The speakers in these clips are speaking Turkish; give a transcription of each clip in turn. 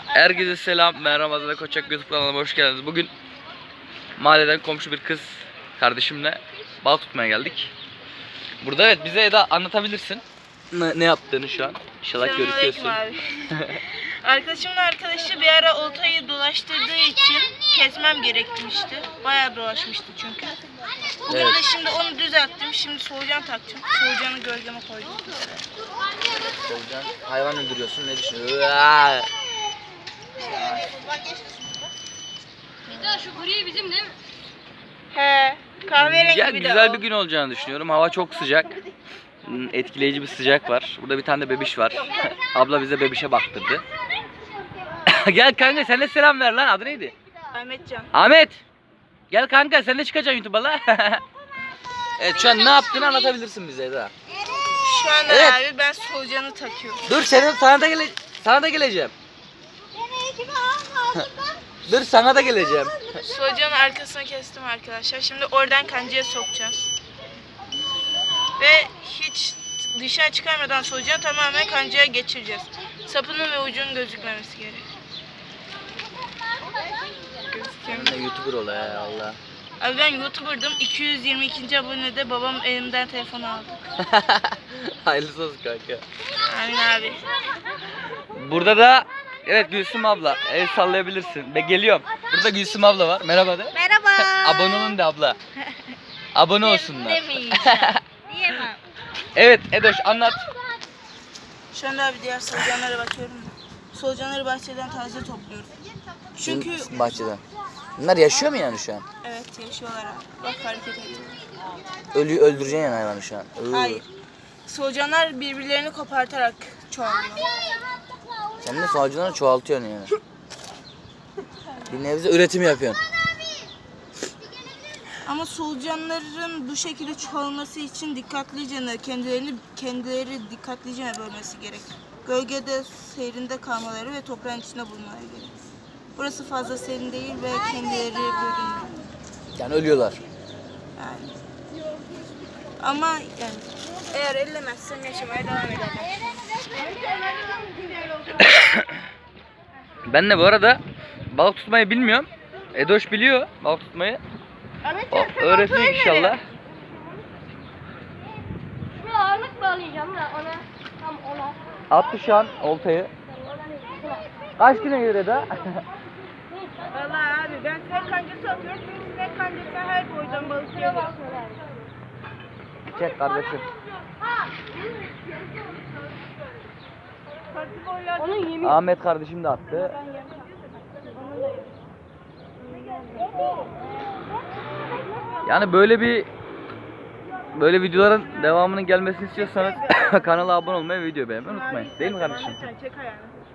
Herkese selam. Ben Ramazan Koçak, YouTube kanalıma hoş geldiniz. Bugün mahalleden komşu bir kız kardeşimle balık tutmaya geldik. Burada evet, bize Eda anlatabilirsin ne yaptığını şu an. İnşallah görüyorsun. Arkadaşımın arkadaşı bir ara oltayı dolaştırdığı için kesmem gerekmişti. Bayağı dolaşmıştı çünkü. Bugün de şimdi onu düzelttim. Şimdi solucan takacağım. Solucanı gölgeme koydum. Solucan, hayvan öldürüyorsun, ne düşünüyorsun? Eda şu gri bizim değil mi? He, kahverengi bir de güzel o. bir gün olacağını düşünüyorum. Hava çok sıcak. Etkileyici bir sıcak var. Burada bir tane de bebiş var. Abla bize bebişe baktırdı. Gel kanka, sen de selam ver lan. Adı neydi? Ahmetcan. Ahmet. Gel kanka, sen de çıkacaksın YouTube'a la. Evet, şu an ne yaptığını anlatabilirsin bize Eda. Şu anda Evet. abi ben solucanı takıyorum. Dur, sana da geleceğim. Dur, sana da geleceğim. Solucanın arkasına kestim arkadaşlar. Şimdi oradan kancaya sokacağız. Ve hiç dışarı çıkarmadan solucanı tamamen kancaya geçireceğiz. Sapının ve ucunun gözükmemesi gerek. Sen de YouTuber ol ya Allah. Abi ben YouTuber'dım. 222. abonede babam elimden telefonu aldı. Hayırlısı olsun kanka. Amin abi. Burada da evet, Gülsüm abla. El sallayabilirsin. Ben geliyorum. Burada Gülsüm abla var. Merhaba de. Merhaba. Abone olun de abla. Abone olsunlar. Demeyeceğim. Diyemem. Evet Edoş, anlat. Şu anda abi diğer solucanlara bakıyorum. Solucanları bahçeden taze topluyorum. Çünkü Bahçeden. Bunlar yaşıyor mu yani şu an? evet yaşıyorlar abi. Bak hareket ediyorlar. Öldüreceksin yani hayvanı şu an. Hayır. Solucanlar birbirlerini kopartarak çoğalıyor. Sen de solucanları çoğaltıyorsun yani. Bir nebze üretim yapıyorsun. Ama solucanların bu şekilde çoğalması için kendileri dikkatlice bölmesi gerek. Gölgede seyrinde kalmaları ve toprağın içinde bulunmaları gerek. Burası fazla serin değil ve kendileri bölünmüyor. Yani ölüyorlar. Yani. Ama yani eğer ellemezsem yaşamaya devam ederler. Ben de bu arada balık tutmayı bilmiyorum. Edoş biliyor balık tutmayı. O öğretecek inşallah. Şuraya ağırlık bağlayacağım da ona. Tam ona. Attı şu an oltayı. Kaç güne gelir Eda? Vallahi abi ben sinek kancası atıyorum çünkü sinek kancası her boydan balık geliyor. Çek kardeşim. Onun yemin. Ahmet kardeşim de attı. Yani böyle videoların devamının gelmesini istiyorsanız kanala abone olmayı ve videoyu beğenmeyi unutmayın. Değil mi kardeşim? Çek ayağını.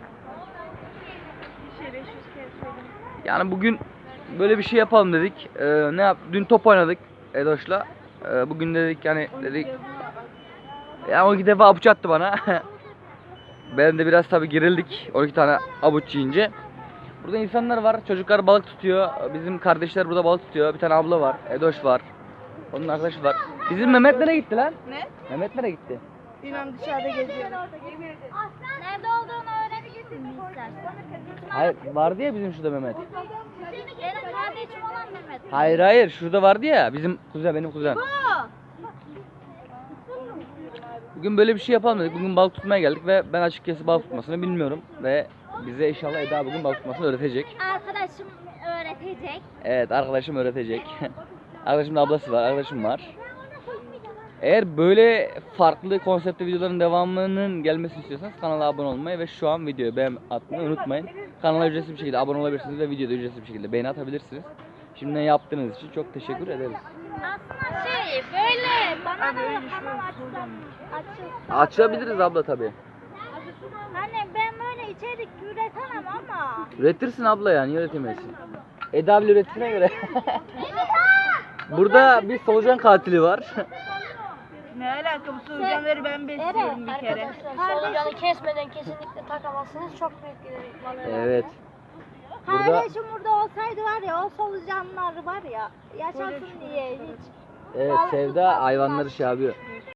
Bir şeyle 500 kere söyledim. Yani bugün böyle bir şey yapalım dedik. Dün top oynadık Edoş'la. Bugün dedik ya, o iki defa avuç attı bana. Ben de biraz tabi gerildik 12 tane avuç yiyince. Burada insanlar var, çocuklar balık tutuyor. Bizim kardeşler burada balık tutuyor. Bir tane abla var, Edoş var. Onun arkadaşı var. Bizim Mehmet nereye gitti lan? Ne? Mehmet nereye gitti? Bilmem dışarıda geziyor. Nerede olduğunu öğrenebilir miyim istersen? Hayır, vardı ya bizim şurada Mehmet. Benim kardeşim olan Mehmet. Hayır, şurada vardı ya bizim kuzen, benim kuzen. Bugün böyle bir şey yapalım dedik. Bugün balık tutmaya geldik ve ben açıkçası balık tutmasını bilmiyorum ve bize inşallah Eda bugün balık tutmasını öğretecek. Arkadaşım öğretecek. Evet, arkadaşım öğretecek. Arkadaşımın ablası var, arkadaşım var. Eğer böyle farklı konseptli videoların devamının gelmesini istiyorsanız kanala abone olmayı ve şu an videoyu beğen atmayı unutmayın. Kanala ücretsiz bir şekilde abone olabilirsiniz ve videoda ücretsiz bir şekilde beğeni atabilirsiniz. Şimdiden yaptığınız için çok teşekkür ederiz. Aslında böyle bana Abi da öyle şu kanal solucan. açılsa. Açabiliriz abla tabi. Hani ben böyle içerik üretemem ama. Üretirsin abla, yani üretemezsin. Eda bile ürettiğine göre. Burada bir solucan katili var. Ne alaka, bu solucanları ben besliyorum bir kere. Solucanı kesmeden kesinlikle takamazsınız. Çok büyük bir balığı. Evet. Burada Kardeşim burada olsaydı var ya, o solucanlar var ya, yaşasın diye hiç. evet, Sevda hayvanları şey yapıyor.